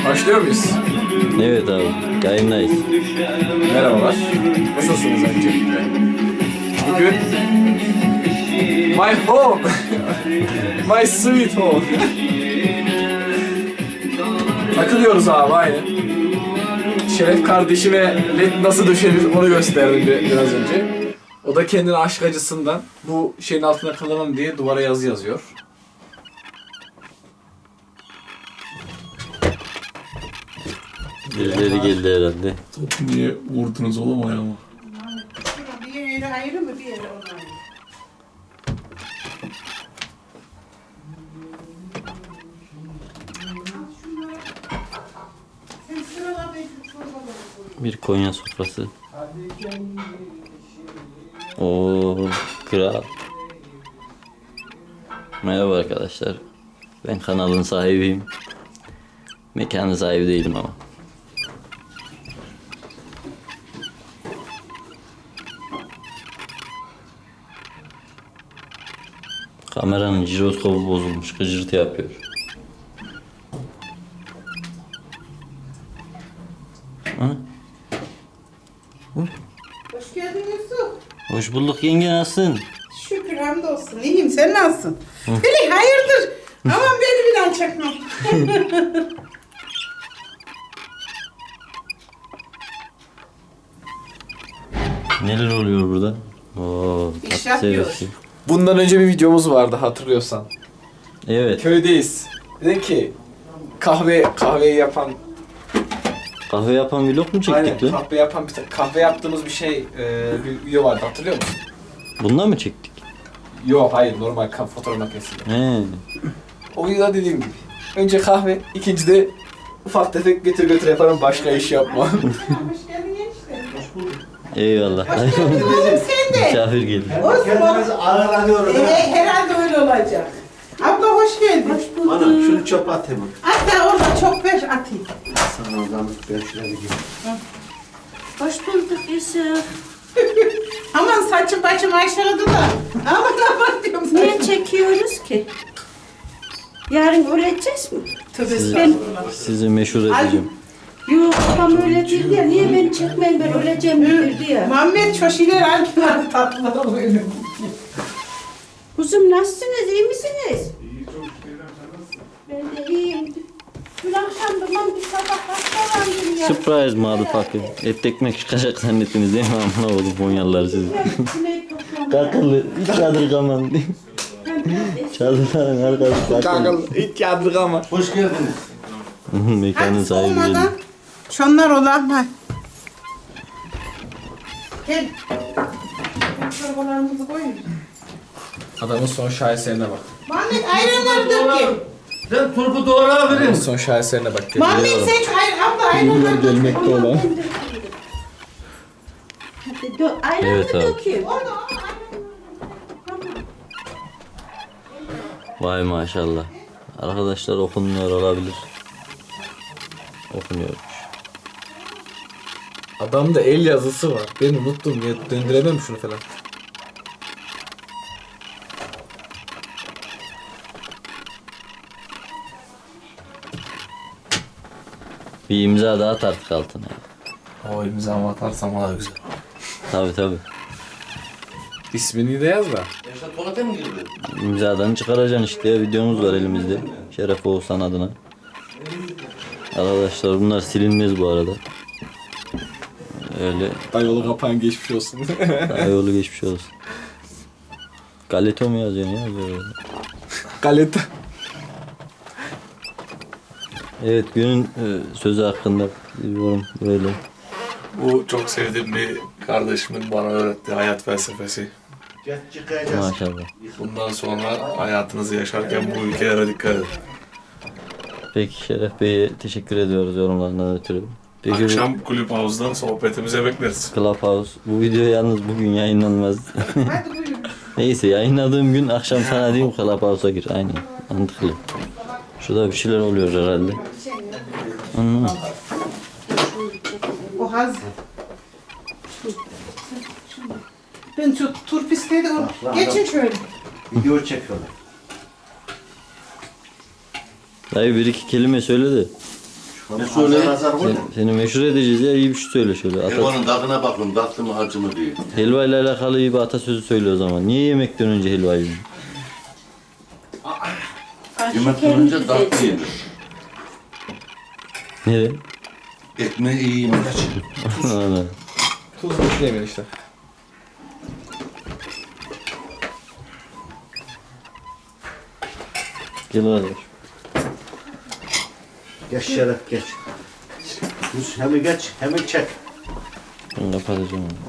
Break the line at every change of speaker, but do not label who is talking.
Başlıyor muyuz?
Evet abi, yayındayız.
Merhabalar. Nasılsınız öncelikle? Bugün my home, my sweet home. Takılıyoruz abi aynı. Şeref kardeşime led nasıl döşenir onu gösterdim biraz önce. O da kendini aşk acısından bu şeyin altına kalamam diye duvara yazı yazıyor.
Birileri geldi herhalde.
Topu niye vurdunuz oğlum ayağıma?
Bir yere ayrı mı bir yere ona ayrı? Sen sırala belki çorbaları koy.
Bir Konya sofrası. Oo, kral. Merhaba arkadaşlar. Ben kanalın sahibiyim. Mekanın sahibi değilim ama. Kameranın jiroskopu bozulmuş, gıcırtı yapıyor. Ana.
Hoş geldin Yusuf.
Hoş bulduk yenge, nasılsın?
Şükür hamdolsun. İyiyim. Sen nasılsın? Bili hayırdır? Aman beni bir daha çakma.
Neler oluyor burada? Oo,
İş
tatlı
yapıyoruz.
sevgisi.
Bundan önce bir videomuz vardı hatırlıyorsan.
Evet.
Köydeyiz. Dedim ki kahveyi yapan
Kahve yapan vlog mu çektik lan?
kahve yapan kahve yaptığımız bir bir video vardı hatırlıyor musun?
Bundan mı çektik?
Yok hayır normal fotoğraf makinesiyle.
He.
O videoda dediğim gibi. Önce kahve, ikinci de ufak tefek götür yaparım başka iş yapma.
Hoş geldin enişte.
Eyvallah.
Hoş geldin oğlum sen de.
Misafir geldi.
Olsun.
Ağırlanıyorum.
Herhalde öyle olacak. Abla hoş geldin. Hoş
Ana şunu çöpe at hemen.
Hatta orada çok ver atayım.
Sana oradan ben şuraya bir gireyim.
Hoş bulduk Yusuf.
Aman saçım başım aşağıda da. Aman diyorum
Niye
saçım.
çekiyoruz ki? Yarın öleceğiz mi?
Tövbe
Sizi,
estağfurullah.
sizi meşhur edeceğim.
Yok babam öyle değil ya. Niye beni çekmeyin, ben öleceğim dedi ya.
Muhammed çoşiler aldılar tatlılar böyle.
Kuzum nasılsınız? İyi misiniz? Ben de iyiyim. Dün akşam babam bir sabah hastalandım ya.
Surprise motherfucker. Et ekmek çıkacak zannettiniz değil mi? Amına oğlum Konyalılar sizi.
Sineği toplamak.
Kakılı, hiç yadırgaman. Çadırların arkası kakılı.
Hiç yadırgama.
Hoş geldiniz.
Mekanın
Hadi
sahibi
soğumadan
geldi.
şunlar olan var. Gel. Çorbalarımızı koyun.
Adamın son şaheserine bak.
Muhammed ayranları dök gel.
Sen turbu doğru
Adamın
verin.
son şaheserine bak.
Muhammed sen şu abla ayranları dök.
Gelmekte olan.
Hadi ayranı
Evet abi.
dökeyim.
Vay maşallah. Arkadaşlar okunmuyor olabilir. Okunuyormuş.
Adamda el yazısı var. Ben unuttum ya döndüremem şunu falan.
Bir imza daha at artık altına.
O imzamı atarsam daha güzel.
Tabi tabi.
İsmini de yaz da.
Yaşar tuvalete mi girdi?
İmzadan çıkaracaksın işte ya, videomuz var elimizde. Şeref Oğuzhan adına. Arkadaşlar bunlar silinmez bu arada. Öyle
Dayıoğlu kapağın geçmiş olsun.
yolu geçmiş olsun. Galeto mu yazıyorsun ya böyle?
Galeta.
Evet, günün sözü hakkında bir yorum böyle.
Bu çok sevdiğim bir kardeşimin bana öğrettiği hayat felsefesi.
Çıkacağız.
Maşallah.
Bundan sonra hayatınızı yaşarken bu ülkelere dikkat edin.
Peki Şeref Bey'e teşekkür ediyoruz yorumlarından ötürü. Peki bu
Akşam kulüp havuzda sohbetimize bekleriz.
Clubhouse, bu video yalnız bugün yayınlanmaz.
Hadi buyurun.
Neyse, yayınladığım gün akşam sana diyeyim Clubhouse'a gir. Aynen, mantıklı. Şurada bir şeyler oluyor herhalde. Anlamadım.
O hazır. Ben şu turpisteydi o. Geçin şöyle.
Video çekiyorlar.
Dayı bir iki kelime söyle de.
Ne söyle?
Seni meşhur edeceğiz ya, iyi bir şey söyle şöyle.
Helvanın tadına bakın, tatlı mı acı mı diye.
Helva ile alakalı iyi bir atasözü söyle o zaman. Niye yemekten önce helva yiyorsun?
Yemekten önce tatlı yenir.
Neden?
Ekmeği iyi yemek için.
Anladım.
Tuz bekleyemeyin işte.
Gel kardeş.
Geç Şeref geç. Hemen geç, hemen çek.
Ben kapatacağım onu.